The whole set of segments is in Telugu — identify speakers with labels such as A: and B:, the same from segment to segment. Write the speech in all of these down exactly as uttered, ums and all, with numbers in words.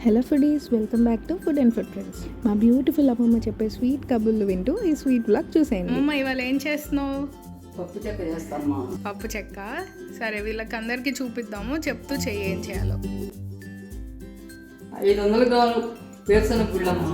A: Hello foodies, welcome back to food and food friends. మా బ్యూటిఫుల్ అమ్మమ్మ చెప్పే స్వీట్ కబుర్లు వింటూ ఈ స్వీట్ బ్లాగ్ చూసేయండి.
B: అమ్మమ్మ ఇవాళ ఏం చేస్తున్నావు?
C: పప్పు చెక్క చేస్తామా.
B: పప్పు చెక్క. సరే, వీళ్ళకి అందరికీ చూపిద్దాము, చెప్తూ చెయ్యి ఏం చేయాలో.
C: ఐదు వందల గ్రాములు వేరుశనగ గుళ్ళమ్మా.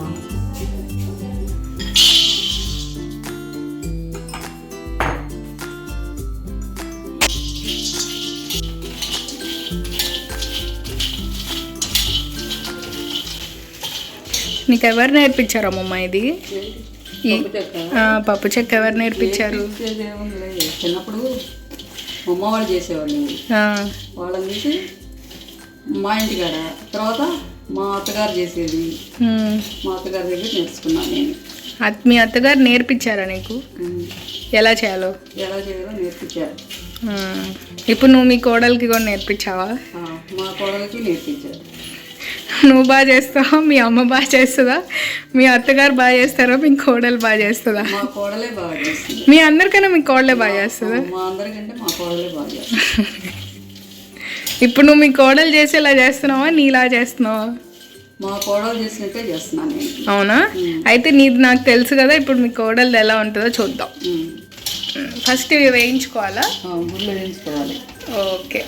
B: నీకు ఎవరు నేర్పించారు అమ్మమ్మ ఇది?
C: పప్పు చెక్క
B: పప్పు చెక్క ఎవరు నేర్పించారు?
C: చిన్నప్పుడు అమ్మ వాళ్ళు చేసేవాళ్ళు. వాళ్ళని చూసి మా ఇంటికాడ, తర్వాత మా అత్తగారు చేసేది, మా అత్తగారి దగ్గర నేర్చుకున్నాను నేను.
B: మీ అత్తగారు నేర్పించారా నీకు ఎలా చేయాలో?
C: ఎలా చేయాలో నేర్పించారు.
B: ఇప్పుడు నువ్వు మీ కోడలికి కూడా నేర్పించావా?
C: మా కోడలికి నేర్పించారు.
B: నువ్వు బాగా చేస్తావా? మీ అమ్మ బాగా చేస్తుందా? మీ అత్తగారు బాగా చేస్తారా? మీ కోడలు బాగా చేస్తుందా?
C: మా కోడలే బాగా చేస్తుంది.
B: మీ అందరికన్నా మీ కోడలే బాగా చేస్తుందా?
C: మా అందరికంటే మా కోడలే బాగా చేస్తుంది.
B: ఇప్పుడు నువ్వు మీ కోడలు చేసేలా చేస్తున్నావా, నీలా చేస్తున్నావా?
C: మా కోడలు చేసినట్టే చేస్తున్నాను నేను.
B: అవునా? అయితే నీది నాకు తెలుసు కదా, ఇప్పుడు మీ కోడలు ఎలా ఉంటుందో చూద్దాం. ఫస్ట్ ఇవి వేయించుకోవాలా?
C: గుళ్ళు వేయించుకోవాలి.
B: ఓకే.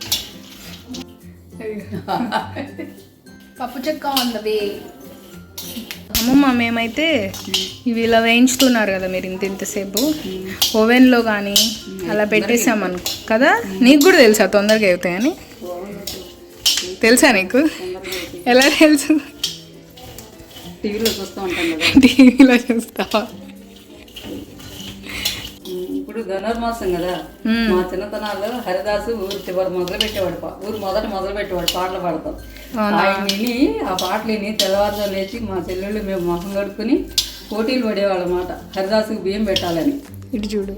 B: పప్పు చెక్క ఉంది. అమ్మమ్మ, మేమైతే ఇవి ఇలా వేయించుతున్నారు కదా మీరు ఇంత ఇంతసేపు, ఓవెన్లో కానీ అలా పెట్టేసామనుకో కదా. నీకు కూడా తెలుసా తొందరగా అవుతాయని? తెలుసా నీకు? ఎలా తెలుసు?
C: టీవీలో చూస్తూ ఉంటాం కదా.
B: టీవీలో చూస్తావా?
C: ఇప్పుడు ధనుర్మాసం కదా, మా చిన్నతనాల్లో హరిదాసు ఊరు చివరి మొదలు పెట్టేవాడు, ఊరు మొదట మొదలు పెట్టేవాడు పాటలు పాడతాం. ఆయన విని ఆ పాటలు విని తెల్లవారుజాము లేచి మా చెల్లెళ్ళు మేము మొహం కడుక్కుని పోటీలు పడేవాళ్ళ మాట, హరిదాసుకు బియ్యం పెట్టాలని.
B: ఇటు చూడు.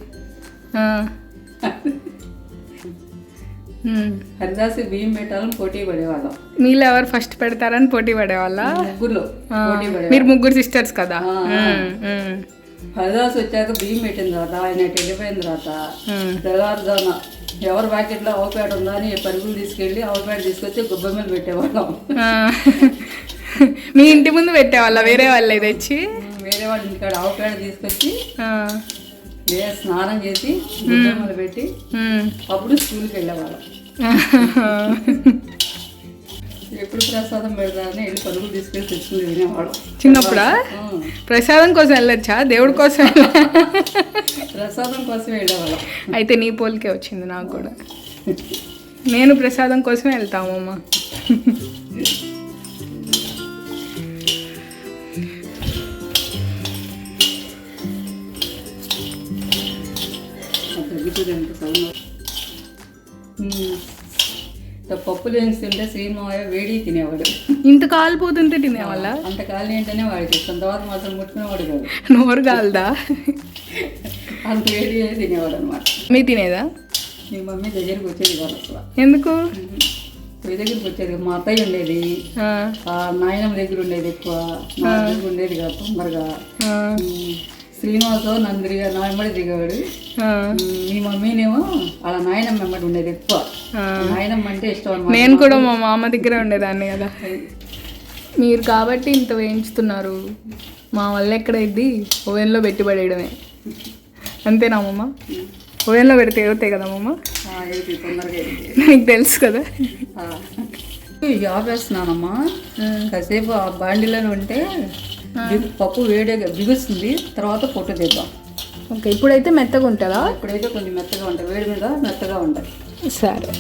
C: హరిదాసుకు బియ్యం పెట్టాలని పోటీ పడేవాళ్ళం.
B: మీలో ఎవరు ఫస్ట్ పెడతారని పోటీ పడేవాళ్ళ?
C: ముగ్గురులో పోటీ పడే.
B: మీరు ముగ్గురు సిస్టర్స్ కదా.
C: హరిదాసు వచ్చాక బియ్యం పెట్టిన తర్వాత ఆయన వెళ్ళిపోయిన తర్వాత తెల్లవారుజామున ఎవరి ప్యాకెట్లో ఆవుపేట ఉందా అని పరుగులు తీసుకెళ్ళి ఆవుపేట తీసుకొచ్చి గుబ్బ మీద పెట్టేవాళ్ళం.
B: మీ ఇంటి ముందు పెట్టేవాళ్ళ వేరే వాళ్ళే తెచ్చి?
C: వేరే వాళ్ళ ఇంటికాడ ఆవుపేట తీసుకొచ్చి ఏ స్నానం చేసి గుబ్బ మీద పెట్టి అప్పుడు స్కూల్కి వెళ్ళేవాళ్ళం. ఎప్పుడు ప్రసాదం పెడతారని వెళ్ళి పరుగులు తీసుకెళ్ళి తెచ్చుకుని తినేవాళ్ళం.
B: చిన్నప్పుడా? ప్రసాదం కోసం వెళ్ళొచ్చా? దేవుడి కోసం?
C: ప్రసాదం కోసం వెళ్ళేవాళ్ళం.
B: అయితే నీ పోలికే వచ్చింది నాకు కూడా. నేను ప్రసాదం కోసమే వెళ్తామమ్మ.
C: పప్పులు వేస్తుంటే శ్రీమాయ వేడి తినేవాడు.
B: ఇంత కాలిపోతుంటే తినేవాళ్ళ?
C: అంత కాలి ఏంటనే వాడికి ఇష్టం. తర్వాత మాత్రం ముట్టుకునేవాడు కాదు.
B: నోరు కాలదా?
C: అంత వేడి తినేవాడు అనమాట.
B: మీ తినేదా?
C: మీ మమ్మీ దగ్గరికి వచ్చేది కాదు అసలు.
B: ఎందుకు?
C: మీ దగ్గరికి వచ్చేది. మా అత్తయ్య ఉండేది, నాయనమ్మ దగ్గర ఉండేది ఎక్కువ, నా దగ్గర ఉండేది కాదు తొందరగా. శ్రీనివాసు నన్ను తిరిగా నా వెంబడి దిగేవాడు. మీ మమ్మీనేమో అలా నాయనమ్మ వెంబడి ఉండేది ఎక్కువ. నాయనమ్మ అంటే ఇష్టం అనమాట.
B: నేను కూడా మా మామ దగ్గర ఉండేదాన్ని కదా. మీరు కాబట్టి ఇంత వేయించుతున్నారు, మా వల్ల ఎక్కడైద్ది? ఓవెన్లో పెట్టి పడేయడమే. అంతేనా అమ్మమ్మ? ఓవెన్లో పెడితే అవుతాయి కదా అమ్మమ్మ?
C: తొందరగా
B: నీకు తెలుసు కదా.
C: ఆపేస్తున్నానమ్మా. కాసేపు ఆ బాండిలోనే ఉంటే పప్పు వేడిగా బిగుస్తుంది, తర్వాత పొట్టు తీద్దాం.
B: ఓకే. ఇప్పుడైతే మెత్తగా ఉంటుందా?
C: ఇప్పుడైతే కొంచెం మెత్తగా ఉంటుంది, వేడి మీద మెత్తగా ఉంటుంది.
B: సరే.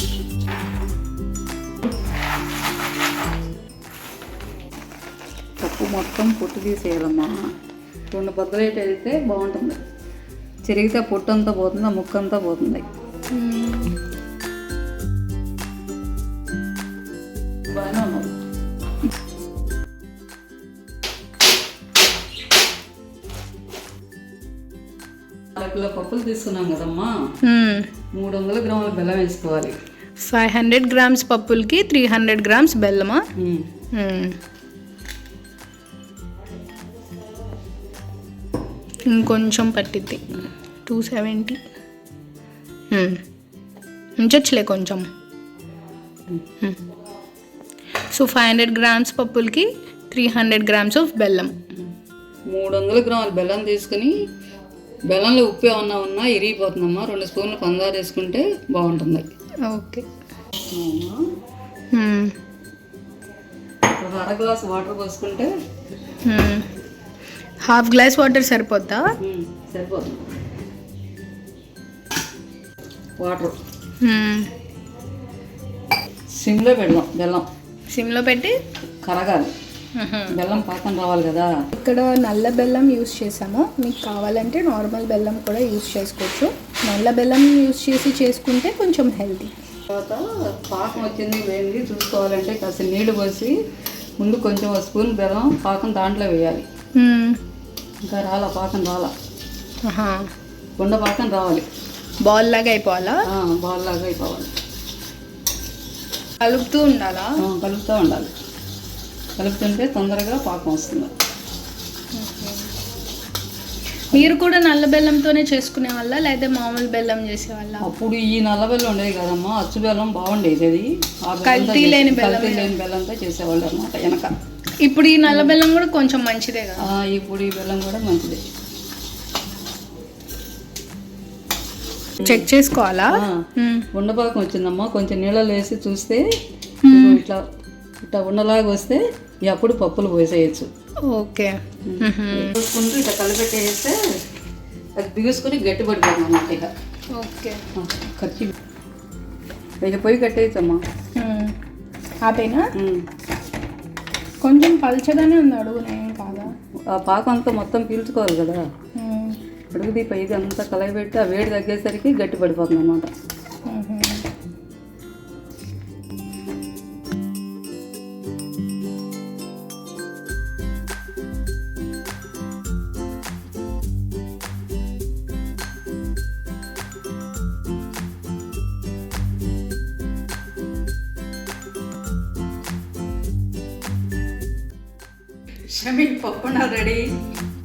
C: పప్పు మొత్తం పొట్టు తీసేయాలమ్మా. రెండు బద్దలైతే అయితే బాగుంటుంది. చెరిగితే పొట్టు అంతా పోతుంది, ఆ ముక్క అంతా పోతుంది. బాగానే ఉన్నది. అరకిలో పప్పులు తీసుకున్నాం కదమ్మా, మూడు వందల గ్రాముల బెల్లం వేసుకోవాలి.
B: ఫైవ్ హండ్రెడ్ గ్రామ్స్ పప్పులకి త్రీ హండ్రెడ్ గ్రామ్స్ బెల్లమా? ఇంకొంచెం పట్టిద్ది. టూ సెవెంటీ ఉంచొచ్చులే కొంచెం. సో ఫైవ్ హండ్రెడ్ గ్రామ్స్ పప్పులకి త్రీ హండ్రెడ్ గ్రామ్స్ ఆఫ్ బెల్లం.
C: మూడు వందల గ్రాముల బెల్లం తీసుకుని బెల్లంలో ఉప్పు ఏమన్నా ఉన్నా ఇరిగిపోతుందమ్మా. రెండు స్పూన్లు పందారు వేసుకుంటే బాగుంటుంది.
B: ఓకే.
C: ఒక అర గ్లాస్ వాటర్ పోసుకుంటే
B: హాఫ్ గ్లాస్ వాటర్ సరిపోద్దా?
C: సరిపోతుంది. వాటర్ సిమ్లో పెడదాం. బెల్లం
B: సిమ్లో పెట్టి
C: కరగాలి. బెల్లం పాకం రావాలి కదా.
B: ఇక్కడ నల్ల బెల్లం యూస్ చేసాము. మీకు కావాలంటే నార్మల్ బెల్లం కూడా యూస్ చేసుకోవచ్చు. నల్ల బెల్లం యూస్ చేసి చేసుకుంటే కొంచెం హెల్తీ.
C: తర్వాత పాకం వచ్చింది వేయండి చూసుకోవాలంటే కాస్త నీళ్లు పోసి ముందు కొంచెం ఒక స్పూన్ బెల్లం పాకం దాంట్లో వేయాలి. ఇంకా రాలా పాకం రాలా, గుండ పాకం రావాలి.
B: బాల్ లాగా అయిపోవాలా?
C: బాల్ లాగా అయిపోవాలి.
B: కలుపుతూ ఉండాలా?
C: కలుపుతూ ఉండాలి. కలుపుతుంటే తొందరగా పాకం వస్తుంది.
B: మీరు కూడా నల్ల బెల్లంతోనే చేసుకునే వాళ్ళ లేదా మామూలు బెల్లం చేసేవాళ్ళ?
C: అప్పుడు ఈ నల్ల బెల్లం ఉండేది కదమ్మా, అచ్చు బెల్లం బాగుండేది. అది
B: కల్తీ లేని బెల్లం
C: లేని బెల్లంతో చేసేవాళ్ళు అనమాట వెనక.
B: ఇప్పుడు ఈ నల్ల బెల్లం కూడా కొంచెం మంచిదే కదా?
C: ఇప్పుడు ఈ బెల్లం కూడా మంచిదే.
B: చెక్ చేసుకోవాలా?
C: ఉండపాకం వచ్చిందమ్మా, కొంచెం నీళ్ళలో వేసి చూస్తే ఇట్లా ఇట్లా ఉండలాగా వస్తే అప్పుడు పప్పులు పోసేయచ్చు.
B: ఓకే.
C: చూసుకుంటూ ఇట్లా కలిపెట్టేస్తే అది బిగుసుకుని గట్టి పడిపోయింది అన్నమాట. ఇక
B: ఓకే
C: ఖర్చు ఇక పొయ్యి కట్టేయచ్చమ్మా.
B: ఆపేనా? కొంచెం పల్చగానే ఉంది అడుగునే, ఏం కాదా?
C: ఆ పాకం అంతా మొత్తం పీల్చుకోవాలి కదా. అడుగుది పైది అంతా కలగబెట్టి ఆ వేడి తగ్గేసరికి గట్టి పడిపోతుంది అన్నమాట. షమీ పప్పు రెడీ.